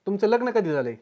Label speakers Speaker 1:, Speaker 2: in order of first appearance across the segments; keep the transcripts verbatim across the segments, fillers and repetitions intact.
Speaker 1: तुमचं लग्न कधी झालंय?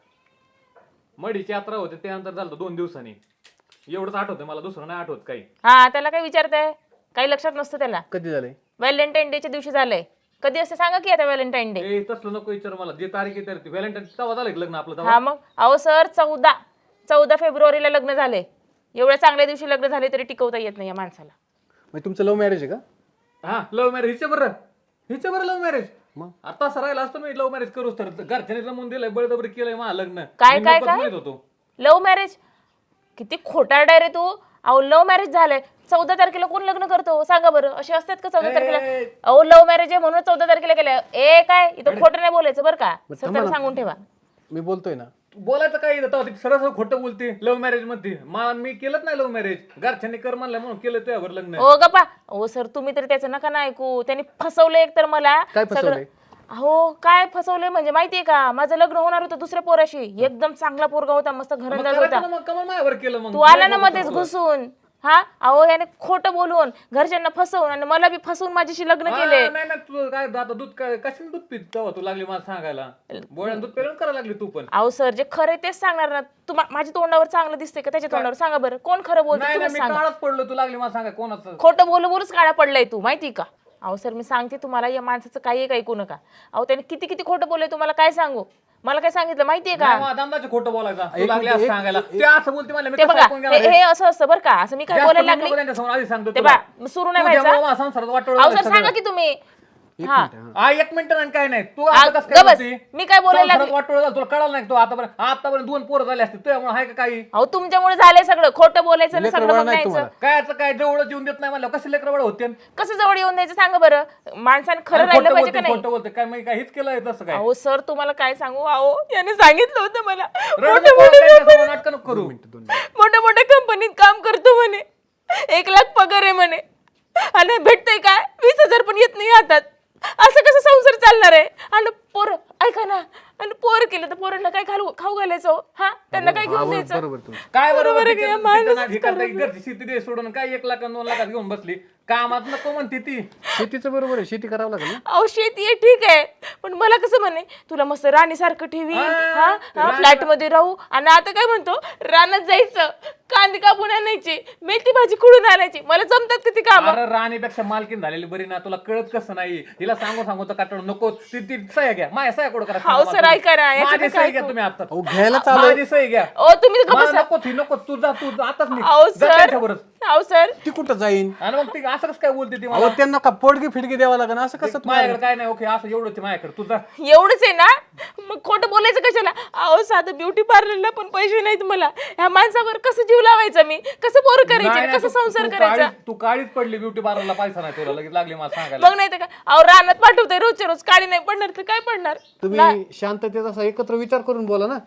Speaker 2: मडीची यात्रा होते त्यानंतर झालं दोन दिवसांनी. एवढंच आठवतं मला, दुसरं नाही आठवत काही.
Speaker 3: हा त्याला काय विचारताय? काही लक्षात नसतं त्याला.
Speaker 1: कधी झालंय?
Speaker 3: व्हॅलेंटाईन डेच्या दिवशी झालंय. कधी असते सांगा की आता व्हॅलेंटाईन डे.
Speaker 2: ए तसलं नको विचार मला, जे तारीख आहे ती व्हॅलेंटाईन तेव्हा झालं लग्न आपलं
Speaker 3: हा
Speaker 2: तेव्हा.
Speaker 3: मग अहो सर चौदा चौदा फेब्रुवारीला लग्न झाले. एवढ्या चांगल्या दिवशी लग्न झाले तरी टिकवता येत नाही या माणसाला.
Speaker 1: म्हणजे तुमचं लव्ह मॅरेज आहे का?
Speaker 2: हा लव्ह मॅरेज. हिच्या बरं हिच्या बरं लव्ह मॅरेज.
Speaker 1: मग
Speaker 2: आता असं राहिलं असतं मी लव्ह मॅरेज करूच तर घरच्याने जमून दिलंय, बळजबरी केलंय मला लग्न.
Speaker 3: काय
Speaker 2: मी
Speaker 3: काय
Speaker 2: नकोच
Speaker 3: काय
Speaker 2: म्हणत होतो.
Speaker 3: Love marriage? किती खोटारडा रे तू. अहो लव्ह मॅरेज झालंय. चौदा तारखेला कोण लग्न करतो सांगा बरं? असे असतात का चौदा तारखेला?
Speaker 2: ए,
Speaker 3: अहो लव्ह मॅरेज आहे म्हणून चौदा तारखेला केलं. ए काय इथं खोटं नाही बोलायचं बरं का,
Speaker 1: बरं,
Speaker 3: सर
Speaker 1: थांबा
Speaker 3: त्याला
Speaker 1: ना.
Speaker 3: सांगून ठेवा.
Speaker 1: मी बोलतोय ना.
Speaker 2: बोलायचं काय येतं तेव्हा ती सरळ सरळ खोटं बोलते लव्ह मॅरेज मध्ये. मला मी केलंच नाही लव्ह मॅरेज, घरच्यांनी कर म्हणलं म्हणून केलं तुझ्यावर लग्न.
Speaker 3: ओ गप्पा. ओ सर तुम्ही तरी त्याचं नका ना ऐकू. त्यांनी फसवलं एक तर मला
Speaker 1: काय
Speaker 3: सगळं.
Speaker 1: फसवलंय?
Speaker 3: अहो काय फसवलंय म्हणजे माहितीये का, माझं लग्न होणार होतं दुसऱ्या पोराशी. एकदम चांगला पोरगा होता, मस्त
Speaker 2: मग
Speaker 3: घरंदाज
Speaker 2: करायचं
Speaker 3: होता.
Speaker 2: ना, मग कमल माझ्यावर केलं मग.
Speaker 3: तू आला ना मध्येच घुसून. हा अहो याने खोटं बोलून घरच्यांना फसवून आणि मला बी फसवून माझ्याशी लग्न
Speaker 2: हा,
Speaker 3: केले.
Speaker 2: नाही नाही तू काय आता दूध काय कशाने दूध पित तेव्हा तू लागली मला सांगायला. बोळ्यान दूध पेरून करायला लागली तू पण.
Speaker 3: अहो सर जे खरं तेच सांगणार ना. तू माझ्या तोंडावर चांगलं दिसतंय का त्याच्या तोंडावर सांगा बरं, कोण खरं बोलतो
Speaker 2: नाही
Speaker 3: तुम्ही
Speaker 2: नाही मी
Speaker 3: सांगा.
Speaker 2: काळच पडलो, तू लागली मला सांगा कोणाचं.
Speaker 3: खोटं बोलू बोलूच काळा पडलाय तू माहिती का. अहो सर मी सांगते तुम्हाला या माणसाचं काही एक ऐकू नका. अहो त्याने किती किती खोटं बोलले तुम्हाला काय सांगू. मला काय सांगितलं माहितीये का?
Speaker 2: नाही, मला दमदाचं खोटं बोलायचं. तू
Speaker 1: एक
Speaker 2: लागली
Speaker 1: मिनिट,
Speaker 2: असं
Speaker 1: एक-
Speaker 2: सांगायला.
Speaker 1: एक-
Speaker 2: ते असं बोलते मला, मी
Speaker 3: ते
Speaker 2: कसं
Speaker 3: बघा
Speaker 2: ऐकून घेणार
Speaker 3: हे
Speaker 2: आहे?
Speaker 3: हे असं असतं बरं का. असं मी काय
Speaker 2: जास्त
Speaker 3: बोलायला
Speaker 2: नको
Speaker 3: लागली
Speaker 2: त्यांच्यासमोर, आधी सांगतो
Speaker 3: ते
Speaker 2: तुला.
Speaker 3: बा सुरू नाही
Speaker 2: तुझ्यामुळं
Speaker 3: व्हायचं.
Speaker 2: माझा संसारात वाटोळं
Speaker 3: अहो
Speaker 2: झालं
Speaker 3: सर
Speaker 2: सगळं.
Speaker 3: सांगा की तुम्ही.
Speaker 1: एक
Speaker 3: हा.
Speaker 1: मिनिट. हा.
Speaker 2: हा एक मिनिट आणि काय नाही तू
Speaker 3: आ,
Speaker 2: आता कसं काय
Speaker 3: गबस.
Speaker 2: बोलते?
Speaker 3: मी काय बोलायला
Speaker 2: संसारात
Speaker 3: लागली?
Speaker 2: वाटोळं झालं तुला कळालं नाही. तू आतापर्यंत आतापर्यंत दोन पोरं झाले असते तुझ्यामुळे आहे का काही?
Speaker 3: अहो तुमच्यामुळे झालंय सगळं. खोटं बोलायचं आणि
Speaker 1: लेकरं
Speaker 3: सगळं
Speaker 1: बाळ
Speaker 3: बघ
Speaker 1: नाही
Speaker 3: न्यायचं.
Speaker 1: तुम्हाला.
Speaker 2: काय याचं काय जवळ जीवन देत नाही मला, कसे लेकर बळ होते?
Speaker 3: कसं जवळ येऊन द्यायचं सांगा बरं. माणसाने खरं
Speaker 2: आणि
Speaker 3: राहिलं
Speaker 2: खोटं
Speaker 3: पाहिजे का
Speaker 2: बोलते
Speaker 3: नाही?
Speaker 2: खोटं बोलते काय मी काय हेच केलंय तसं काय?
Speaker 3: अहो सर तुम्हाला काय सांगू. अहो याने सांगितलं होतं मला
Speaker 2: रडू
Speaker 3: मोठ्या
Speaker 2: नको,
Speaker 3: मोठ्या
Speaker 2: त्यांच्यासमोर नाटकं नको करू.
Speaker 3: मोठ्या मोठ्या कंपनीत काम करतो म्हणे. एक लाख पगार आहे म्हणे आणि भेटतंय काय वीस हजार पण येत नाही हातात. असं कसं संसार चालणार आहे? आणि पोर ऐका ना, आणि पोर केलं तर पोरांना काय खाऊ खाऊ घालायचं हो? हा त्यांना काय घेऊन द्यायचं?
Speaker 1: बरोबर तुम्ही.
Speaker 2: काय
Speaker 3: बरोबर
Speaker 2: बरोबर
Speaker 3: आहे
Speaker 2: तिचं-
Speaker 3: की या
Speaker 2: तिचं
Speaker 3: माणूसच
Speaker 2: नाक हे करताय, घरची शेती दे सोडून काय एक लाख आणि दोन लाखात घेऊन बसली. कामात नको म्हणते ती.
Speaker 1: शेतीचं बरोबर आहे, शेती करावं लागेल ना.
Speaker 3: अहो शेती आहे ठीक आहे, पण मला कसं म्हणे तुला मस्त राणीसारखं ठेवी,
Speaker 2: हा,
Speaker 3: हा
Speaker 2: राणी-
Speaker 3: फ्लॅट मध्ये राहू. आणि आता काय म्हणतो रानात जायचं, कांदे कापून आणायची, मेथी भाजी खुडून आणायची. मला जमतात का ती काम?
Speaker 2: अरे राणीपेक्षा मालकीन झालेली बरी ना. तुला कळत कसं नाही? हिला सांगू सांगू तर काटण नको. ती ती सह्या घ्या, माझ्या सह्या कोड करा.
Speaker 3: हाव सर, ऐका ना, याच्यात
Speaker 2: माझी
Speaker 3: काय
Speaker 2: सही घ्या
Speaker 3: ऐकू?
Speaker 2: तुम्ही आता.
Speaker 1: अहो घ्यायला चालू
Speaker 2: माझी सही घ्या.
Speaker 3: ओ तुम्ही गप्प
Speaker 2: मला
Speaker 3: बसा.
Speaker 2: नको ती नको. तू जा, तू जा, आताच निघ.
Speaker 3: अहो
Speaker 2: जा
Speaker 3: सर,
Speaker 2: त्यांच्याबरोबर.
Speaker 3: अहो सर
Speaker 1: ती कुठं जाईन?
Speaker 2: आणि मग ती असं कसं काय बोलते ती
Speaker 1: अहो
Speaker 2: मला?
Speaker 1: त्यांना का पोडगी फिडगी द्यावं लागेल असं कसं तुम्हाला?
Speaker 2: माझ्याकडे काय नाही. ओके असं एवढंच आहे माझ्याकडे. तू जा.
Speaker 3: एवढंच आहे ना, मग खोटं बोलायचं कशाला? अहो साधं ब्युटी पार्लरला पण पैसे नाहीत मला. ह्या माणसावर कसं जीव लावायचा मी? कसं पोर
Speaker 2: नाही,
Speaker 3: करायचे,
Speaker 2: नाही,
Speaker 3: कसं
Speaker 2: तू-
Speaker 3: संसार
Speaker 2: तू
Speaker 3: करायचा?
Speaker 2: काळीच- तू काळीच पडली ब्युटी पार्लरला. पैसा नाही तुला, लगेच लागली मला सांगायला.
Speaker 3: मग नाही तर काय? अहो रानात पाठवतोय रोजच्या रोज, काळी नाही पडणार तर काय पडणार?
Speaker 1: तुम्ही शांततेत असा एकत्र विचार करून बोला ना.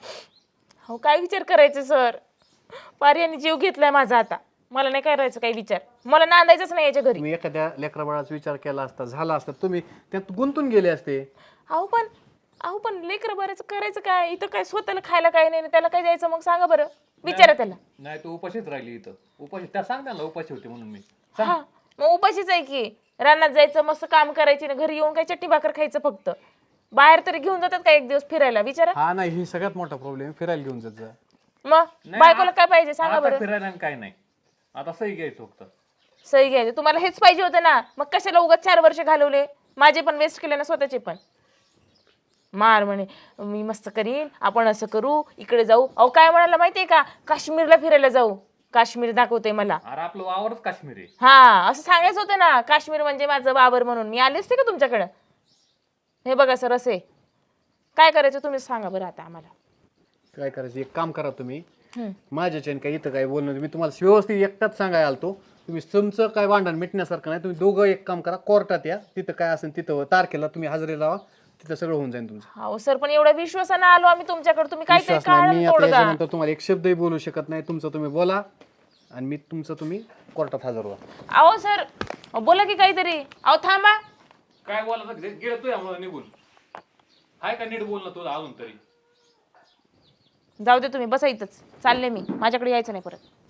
Speaker 3: हो काय विचार करायचे सर? पार्याने जीव घेतलाय माझा आता. मला नाही करायचं काही विचार. मला नांदायचंच नाही याच्या घरी.
Speaker 1: तुम्ही एखाद्या लेकरा बाळाचा विचार केला असता, झाला असता, तुम्ही त्यात गुंतून गेले असते.
Speaker 3: अहो पण अहो पण लेकरं बऱ्याच करायचं काय? इथं काय स्वतःला खायला काय नाही, त्याला काय द्यायचं मग सांगा बरं? विचारा त्याला.
Speaker 2: नाही तू उपाशीच राहिली इथं. उपाशी त्या सांग त्यांना उपाशी होती म्हणून मी.
Speaker 3: हा मग उपाशीच आहे की. रानात जायचं, मस्त काम करायची ना, घरी येऊन काय चट्टी भाकर खायचं फक्त. बाहेर तरी घेऊन जातात का एक दिवस फिरायला? विचारा.
Speaker 1: हा नाही, ही सगळ्यात मोठा प्रॉब्लेम. फिरायला घेऊन जात जा.
Speaker 3: मग बायकोला काय पाहिजे सांगा
Speaker 2: आता
Speaker 3: बरं?
Speaker 2: फिरायला आणि काय नाही. आता सही घ्यायचं फक्त.
Speaker 3: सही घ्यायचं तुम्हाला हेच पाहिजे होतं ना. मग कशाला उगाच चार वर्ष घालवले? माझे पण वेस्ट केले ना, स्वतःचे पण. मार म्हणे मी मस्त करीन, आपण असं करू, इकडे जाऊ. अहो काय म्हणाला माहितीये का? काश्मीरला फिरायला जाऊ. काश्मीर दाखवते मला.
Speaker 2: अरे आपलं वावरच काश्मीर आहे.
Speaker 3: हा असं सांगायचं होतं ना, काश्मीर म्हणजे माझं बाबर म्हणून. मी आले असते का तुमच्याकडं? हे बघा सर, असे काय करायचं तुम्ही सांगा बरं आता आम्हाला.
Speaker 1: काय करायचं, एक काम करा तुम्ही.
Speaker 3: हम्म.
Speaker 1: माझ्याच्याने काय इथं काय बोलणं नाही. मी तुम्हाला व्यवस्थित एकटाच सांगायला आलतो. तुम्ही तुमचं काय भांडण मिटण्यासारखं नाही. तुम्ही दोघं एक काम करा, कोर्टात या. तिथं काय असेल तिथं तारखेला तुम्ही हजेरी लावा. तिथं सगळं होऊन जाईल तुमचं.
Speaker 3: हो सर, पण एवढ्या विश्वासानं आलो आम्ही तुमच्याकडे, तुम्ही काय
Speaker 1: विश्वास नाही. मी
Speaker 3: काय
Speaker 1: आता याच्यानंतर तुम्हाला एक शब्दही बोलू शकत नाही. तुमचं तुम्ही बोला आणि मी तुमचं तुम्ही कोर्टात हजर व्हा.
Speaker 3: अहो सर बोला की काहीतरी. अहो थांबा.
Speaker 2: काय बोलायचं गेलं तू यामुळे निघून. हाय का नीट बोल ना तुला अजून तरी.
Speaker 3: जाऊ दे तुम्ही, बसा इथंच. चालले मी, माझ्याकडे यायचं नाही परत.